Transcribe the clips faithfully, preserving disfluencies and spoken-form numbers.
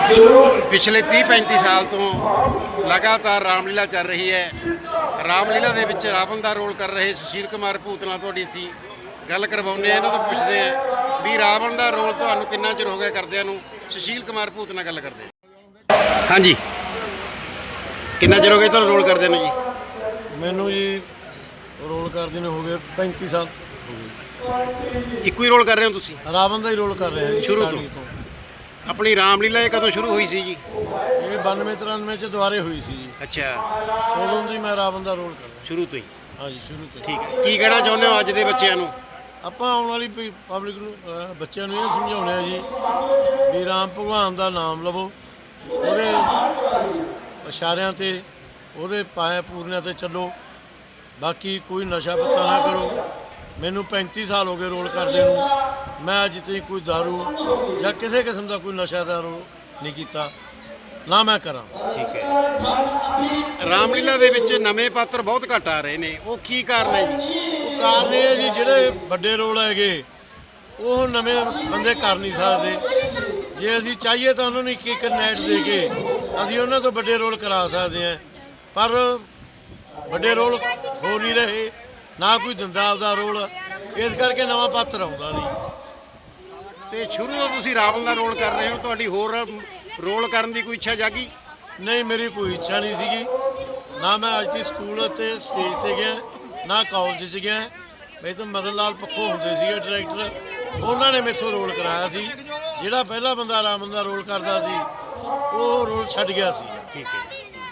ਪਿਛਲੇ ਤੀਹ ਪੈਂਤੀ ਸਾਲ ਤੋਂ ਲਗਾਤਾਰ ਰਾਮਲੀਲਾ ਚੱਲ ਰਹੀ ਹੈ। ਰਾਮਲੀਲਾ ਦੇ ਵਿੱਚ ਰਾਵਣ ਦਾ ਰੋਲ ਕਰ ਰਹੇ ਸੁਸ਼ੀਲ ਕੁਮਾਰ ਭੂਤ ਨਾਲ ਤੁਹਾਡੀ ਅਸੀਂ ਗੱਲ ਕਰਵਾਉਂਦੇ ਆ। ਇਹਨਾਂ ਤੋਂ ਪੁੱਛਦੇ ਆ ਵੀ ਰਾਵਣ ਦਾ ਰੋਲ ਤੁਹਾਨੂੰ ਕਿੰਨਾ ਚਿਰ ਹੋ ਗਿਆ ਕਰਦਿਆਂ ਨੂੰ। ਸੁਸ਼ੀਲ ਕੁਮਾਰ ਭੂਤ ਨਾਲ ਗੱਲ ਕਰਦੇ ਹਾਂ। ਹਾਂਜੀ, ਕਿੰਨਾ ਚਿਰ ਹੋ ਗਿਆ ਤੁਹਾਨੂੰ ਰੋਲ ਕਰਦਿਆਂ ਨੂੰ ਜੀ? ਮੈਨੂੰ ਜੀ ਰੋਲ ਕਰਦੇ ਨੂੰ ਹੋ ਗਏ ਪੈਂਤੀ ਸਾਲ ਹੋ ਗਏ। ਇੱਕੋ ਹੀ ਰੋਲ ਕਰ ਰਹੇ ਹੋ ਤੁਸੀਂ? ਰਾਵਣ ਦਾ ਹੀ ਰੋਲ ਕਰ ਰਿਹਾ ਜੀ ਸ਼ੁਰੂ ਤੋਂ। ਆਪਣੀ ਰਾਮਲੀਲਾ ਇਹ ਕਦੋਂ ਸ਼ੁਰੂ ਹੋਈ ਸੀ ਜੀ? ਇਹ ਬਾਨਵੇਂ ਤਰਾਨਵੇਂ ਚ ਦੁਬਾਰੇ ਹੋਈ ਸੀ ਜੀ। ਅੱਛਾ, ਉਦੋਂ ਦੀ ਮੈਂ ਰਾਵਣ ਦਾ ਰੋਲ ਕਰ ਰਿਹਾ। ਸ਼ੁਰੂ ਤੋਂ ਹੀ? ਹਾਂਜੀ, ਸ਼ੁਰੂ ਤੋਂ। ਠੀਕ ਹੈ, ਕੀ ਕਹਿਣਾ ਚਾਹੁੰਦੇ ਹੋ ਅੱਜ ਦੇ ਬੱਚਿਆਂ ਨੂੰ? ਆਪਾਂ ਆਉਣ ਵਾਲੀ ਪਬਲਿਕ ਨੂੰ ਅਹ ਬੱਚਿਆਂ ਨੂੰ ਇਹ ਸਮਝਾਉਂਦੇ ਆ ਜੀ ਵੀ ਰਾਮ ਭਗਵਾਨ ਦਾ ਨਾਮ ਲਵੋ, ਉਹਦੇ ਇਸ਼ਾਰਿਆਂ ਤੇ ਉਹਦੇ ਪਾਇਆ ਪੂਰਨਿਆਂ ਤੇ ਚੱਲੋ। ਬਾਕੀ ਕੋਈ ਨਸ਼ਾ ਪੱਤਾ ਨਾ ਕਰੋ। ਮੈਨੂੰ ਪੈਂਤੀ ਸਾਲ ਹੋ ਗਏ ਰੋਲ ਕਰਦੇ ਨੂੰ। ਮੈਂ ਅੱਜ ਤਾਈਂ ਕੋਈ ਦਾਰੂ ਜਾਂ ਕਿਸੇ ਕਿਸਮ ਦਾ ਕੋਈ ਨਸ਼ਾ ਦਾ ਰੋਲ ਨਹੀਂ ਕੀਤਾ, ਨਾ ਮੈਂ ਕਰਾਂ। ਠੀਕ ਹੈ। ਰਾਮਲੀਲਾ ਦੇ ਵਿੱਚ ਨਵੇਂ ਪਾਤਰ ਬਹੁਤ ਘੱਟ ਆ ਰਹੇ ਨੇ, ਉਹ ਕੀ ਕਾਰਨ ਹੈ ਜੀ? ਉਹ ਕਾਰਨ ਇਹ ਹੈ ਜੀ, ਜਿਹੜੇ ਵੱਡੇ ਰੋਲ ਹੈਗੇ ਉਹ ਨਵੇਂ ਬੰਦੇ ਕਰ ਨਹੀਂ ਸਕਦੇ। ਜੇ ਅਸੀਂ ਚਾਹੀਏ ਤਾਂ ਉਹਨਾਂ ਨੂੰ ਇੱਕ ਇੱਕ ਨਾਈਟ ਦੇ ਕੇ ਅਸੀਂ ਉਹਨਾਂ ਤੋਂ ਵੱਡੇ ਰੋਲ ਕਰਾ ਸਕਦੇ ਹਾਂ, ਪਰ ਵੱਡੇ ਰੋਲ ਹੋ ਨਹੀਂ ਰਹੇ, ਨਾ ਕੋਈ ਦਿੰਦਾ ਆਪਦਾ ਰੋਲ, ਇਸ ਕਰਕੇ ਨਵਾਂ ਪਾਤਰ ਆਉਂਦਾ ਨਹੀਂ। ਤੇ ਸ਼ੁਰੂ ਤੋਂ ਤੁਸੀਂ ਰਾਵਣ ਦਾ ਰੋਲ ਕਰ ਰਹੇ ਹੋ, ਤੁਹਾਡੀ ਹੋਰ ਰੋਲ ਕਰਨ ਦੀ ਕੋਈ ਇੱਛਾ ਜਾਗੀ? ਨਹੀਂ, ਮੇਰੀ ਕੋਈ ਇੱਛਾ ਨਹੀਂ ਸੀਗੀ। ਨਾ ਮੈਂ ਅੱਜ ਤੱਕ ਸਕੂਲ ਤੇ ਸਟੇਜ ਤੇ ਗਿਆ, ਨਾ ਕਾਲਜ 'ਚ ਗਿਆ। ਮੈਂ ਤਾਂ ਮਦਨ ਲਾਲ ਪੱਖੋਂ ਹੁੰਦੇ ਸੀਗੇ ਡਾਇਰੈਕਟਰ, ਉਹਨਾਂ ਨੇ ਮੈਥੋਂ ਰੋਲ ਕਰਾਇਆ ਸੀ। ਜਿਹੜਾ ਪਹਿਲਾ ਬੰਦਾ ਰਾਵਣ ਦਾ ਰੋਲ ਕਰਦਾ ਸੀ ਉਹ ਰੋਲ ਛੱਡ ਗਿਆ ਸੀ। ਠੀਕ ਹੈ।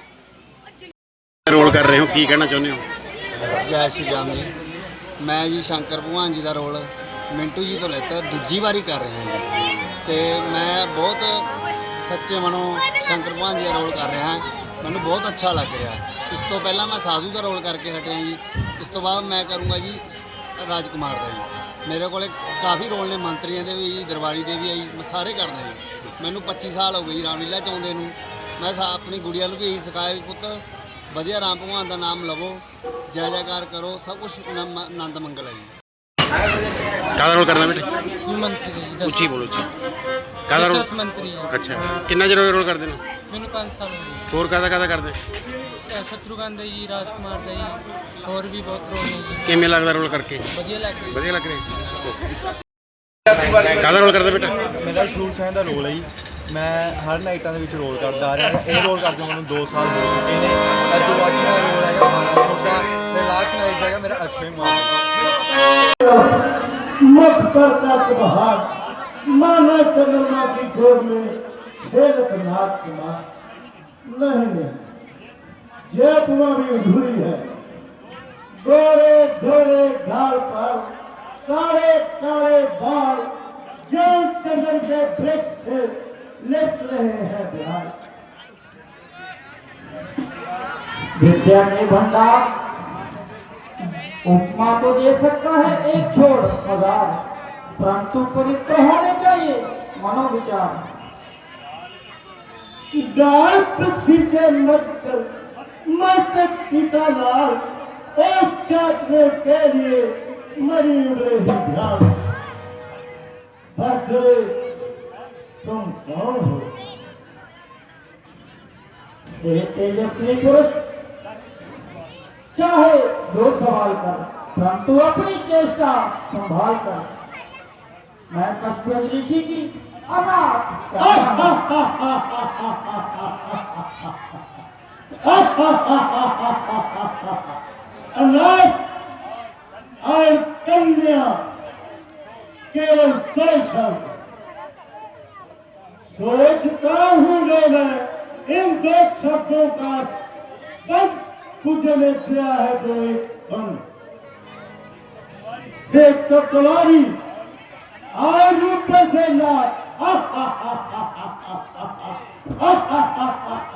ਰੋਲ ਕਰ ਰਹੇ ਹੋ, ਕੀ ਕਹਿਣਾ ਚਾਹੁੰਦੇ ਹੋ? ਜੈ ਸ਼੍ਰੀ ਰਾਮ ਜੀ। ਮੈਂ ਜੀ ਸ਼ੰਕਰ ਭਗਵਾਨ ਜੀ ਦਾ ਰੋਲ ਮਿੰਟੂ ਜੀ ਤੋਂ ਲੈਤਾ, ਦੂਜੀ ਵਾਰੀ ਕਰ ਰਿਹਾ ਜੀ। ਤੇ ਮੈਂ ਬਹੁਤ ਸੱਚੇ ਮਨੋਂ ਸ਼ੰਕਰ ਭਗਵਾਨ ਜੀ ਦਾ ਰੋਲ ਕਰ ਰਿਹਾ। ਮੈਨੂੰ ਬਹੁਤ ਅੱਛਾ ਲੱਗ ਰਿਹਾ। ਇਸ ਤੋਂ ਪਹਿਲਾਂ ਮੈਂ ਸਾਧੂ ਦਾ ਰੋਲ ਕਰਕੇ ਹਟਿਆ ਜੀ। ਇਸ ਤੋਂ ਬਾਅਦ ਮੈਂ ਕਰੂੰਗਾ ਜੀ ਰਾਜਕੁਮਾਰ ਦਾ ਜੀ। ਮੇਰੇ ਕੋਲੇ ਕਾਫੀ ਰੋਲ ਨੇ, ਮੰਤਰੀਆਂ ਦੇ ਵੀ ਜੀ, ਦਰਬਾਰੀ ਦੇ ਵੀ ਆ ਜੀ। ਮੈਂ ਸਾਰੇ ਕਰਦਾ ਜੀ। ਮੈਨੂੰ ਪੱਚੀ ਸਾਲ ਹੋ ਗਏ ਜੀ ਰਾਮਲੀਲਾ 'ਚ ਆਉਂਦੇ ਨੂੰ। ਮੈਂ ਆਪਣੀ ਗੁੜੀਆ ਨੂੰ ਵੀ ਇਹੀ ਸਿਖਾਇਆ ਵੀ ਪੁੱਤ ਵਧੀਆ ਰਾਮ ਭਗਵਾਨ ਦਾ ਨਾਮ ਲਵੋ, ਜੈ ਜੈਕਾਰ ਕਰੋ, ਸਭ ਕੁਛ ਆਨੰਦ ਮੰਗਲ ਹੈ ਜੀ। ਕਾਹਦਾ ਰੋਲ ਕਰਨਾ ਬੇਟੇ? ਮੰਤਰੀ ਜੀ। ਉੱਚੀ ਬੋਲੋ ਜੀ। ਕਾਹਦਾ ਰੋਲ? ਮੰਤਰੀ ਜੀ। ਅੱਛਾ, ਕਿੰਨਾ ਚਿਰ ਹੋ ਗਿਆ ਰੋਲ ਕਰਦੇ ਨੂੰ? ਮੈਨੂੰ ਪੰਜ ਸਾਲ ਹੋ ਗਏ। ਹੋਰ ਕਾਹਦਾ ਕਾਹਦਾ ਕਰਦੇ? ਸ਼ਤਰੂਘਨ ਦਾ ਜੀ, ਰਾਜਕੁਮਾਰ ਦਾ ਜੀ, ਹੋਰ ਵੀ ਬਹੁਤ ਰੋਲ ਨੇ ਜੀ। ਕਿਵੇਂ ਲੱਗਦਾ ਰੋਲ ਕਰਕੇ? ਵਧੀਆ ਲੱਗ ਰਿਹਾ। ਵਧੀਆ ਲੱਗ ਰਿਹਾ। ਕਾਹਦਾ ਰੋਲ ਕਰਦਾ ਬੇਟਾ? ਮੇਰਾ ਸ਼ੂਰ ਸੈਨ ਦਾ ਰੋਲ ਹੈ ਜੀ। ਮੈਂ ਹਰ ਨਾਈਟਾਂ ਦੇ ਵਿੱਚ ਰੋਲ ਕਰਦਾ ਆ ਰਿਹਾ। ਇਹ ਰੋਲ ਕਰਦੇ ਮੈਨੂੰ ਦੋ ਸਾਲ ਹੋ ਚੁੱਕੇ ਨੇ। ਅੱਜ ਤੋਂ ਬਾਅਦ ਮੇਰਾ ਰੋਲ ਹੈਗਾ ਮਹਾਰਾਜ ਦਾ, ਤੇ ਲਾਸਟ ਨਾਈਟ ਹੈਗਾ ਮੇਰਾ ਅਕਸ਼ੇ ਕੁਮਾਰ। मत करता बहार माना चंद्रमा की गोद में खेलत नाथ कुमार। नहीं नहीं, ये तुम्हारी अधूरी है। गोरे गोरे गाल पर काले काले बाल जो चंद्र के वृक्ष से लेट रहे हैं बिहार। विद्या नहीं भंडार उपमा तो दे सकता है एक छोड़ हजार, परंतु पवित्र होने चाहिए मनोविचार। गाय सीधे मत कर मत पिता लाल, उस चाटने के लिए मरी उड़े ही ध्यान। बच्चे तुम कौन हो? तेजस्वी पुरुष चाहे जो सवाल कर, परंतु अपनी चेष्टा संभाल कर। मैं कश्मीर ऋषि की अनाथ अनाथ और कन्या केवल दो शब्द सोचता हूँ जो मैं इन दो शब्दों का बस खुद ने किया है जो एक बन। देख तो तुम्हारी आज ऊपर से ना